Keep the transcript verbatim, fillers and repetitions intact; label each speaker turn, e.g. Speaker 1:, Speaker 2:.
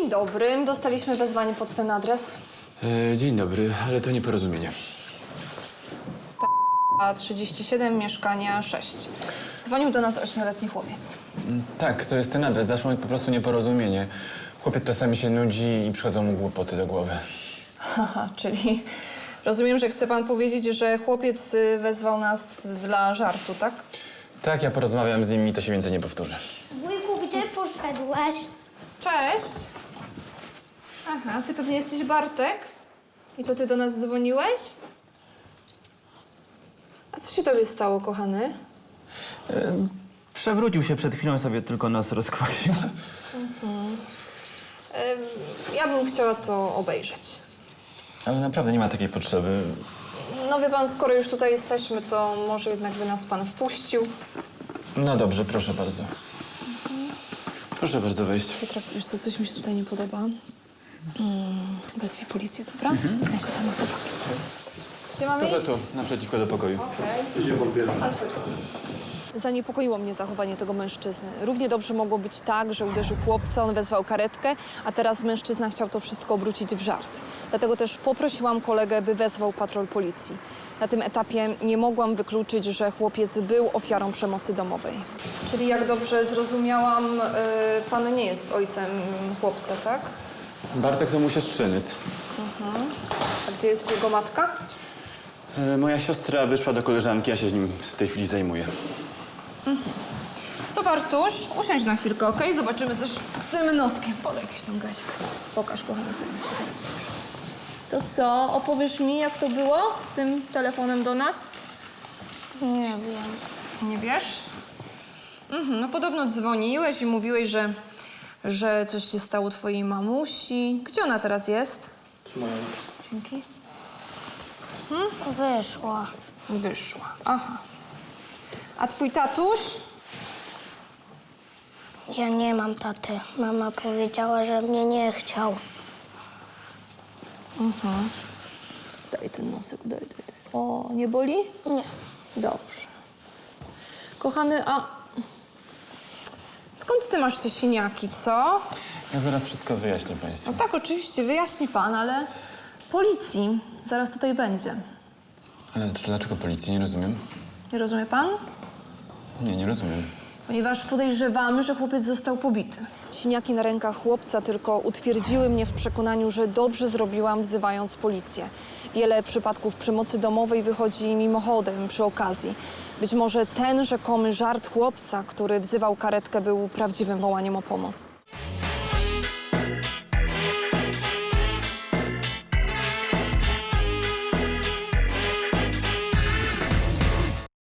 Speaker 1: Dzień dobry. Dostaliśmy wezwanie pod ten adres.
Speaker 2: E, dzień dobry, ale to nieporozumienie.
Speaker 1: Sta trzydzieści siedem, mieszkania sześć. Dzwonił do nas ośmioletni chłopiec.
Speaker 2: Mm, Tak, to jest ten adres. Zaszło po prostu nieporozumienie. Chłopiec czasami się nudzi i przychodzą mu głupoty do głowy.
Speaker 1: Haha, czyli rozumiem, że chce pan powiedzieć, że chłopiec y, wezwał nas dla żartu, tak?
Speaker 2: Tak, ja porozmawiam z nim i to się więcej nie powtórzy.
Speaker 3: Wujku, gdzie poszedłeś?
Speaker 1: Cześć. Aha, ty pewnie jesteś Bartek? I to ty do nas dzwoniłeś? A co się tobie stało, kochany?
Speaker 4: Przewrócił się przed chwilą, sobie tylko nos rozkwasił.
Speaker 1: Ym, ja bym chciała to obejrzeć.
Speaker 2: Ale naprawdę nie ma takiej potrzeby.
Speaker 1: No wie pan, skoro już tutaj jesteśmy, to może jednak by nas pan wpuścił.
Speaker 2: No dobrze, proszę bardzo. Proszę bardzo wejść.
Speaker 1: Piotrek, wiesz co, coś mi się tutaj nie podoba. Mm, wezwij policję, dobra? Ja się sama pobawię. Gdzie mamy
Speaker 2: Proszę
Speaker 1: iść?
Speaker 2: tu, naprzeciwko do pokoju.
Speaker 1: Okej. Idzie pan pierwszy. Zaniepokoiło mnie zachowanie tego mężczyzny. Równie dobrze mogło być tak, że uderzył chłopca, on wezwał karetkę, a teraz mężczyzna chciał to wszystko obrócić w żart. Dlatego też poprosiłam kolegę, by wezwał patrol policji. Na tym etapie nie mogłam wykluczyć, że chłopiec był ofiarą przemocy domowej. Czyli jak dobrze zrozumiałam, yy, pan nie jest ojcem chłopca, tak?
Speaker 2: Bartek to mój siostrzyniec.
Speaker 1: A gdzie jest jego matka?
Speaker 2: E, moja siostra wyszła do koleżanki, ja się z nim w tej chwili zajmuję.
Speaker 1: Co, Bartuś? Usiądź na chwilkę, okej? Zobaczymy coś z tym noskiem. Podaj jakiś tam gazik. Pokaż, kochany. To co? Opowiesz mi, jak to było z tym telefonem do nas?
Speaker 3: Nie wiem.
Speaker 1: Nie wiesz? Mhm, no podobno dzwoniłeś i mówiłeś, że, że coś się stało twojej mamusi. Gdzie ona teraz jest? Dzięki.
Speaker 3: Wyszła.
Speaker 1: Wyszła. Aha. A twój tatuś?
Speaker 3: Ja nie mam taty. Mama powiedziała, że mnie nie chciał.
Speaker 1: Mhm. Daj ten nosek, daj, daj, daj. O, nie boli?
Speaker 3: Nie.
Speaker 1: Dobrze. Kochany, a skąd ty masz te siniaki, co?
Speaker 2: Ja zaraz wszystko wyjaśnię państwu.
Speaker 1: No tak, oczywiście, wyjaśni pan, ale policji zaraz tutaj będzie.
Speaker 2: Ale dlaczego policji? Nie rozumiem.
Speaker 1: Nie rozumie pan?
Speaker 2: Nie, nie rozumiem.
Speaker 1: Ponieważ podejrzewamy, że chłopiec został pobity. Siniaki na rękach chłopca tylko utwierdziły mnie w przekonaniu, że dobrze zrobiłam, wzywając policję. Wiele przypadków przemocy domowej wychodzi mimochodem, przy okazji. Być może ten rzekomy żart chłopca, który wzywał karetkę, był prawdziwym wołaniem o pomoc.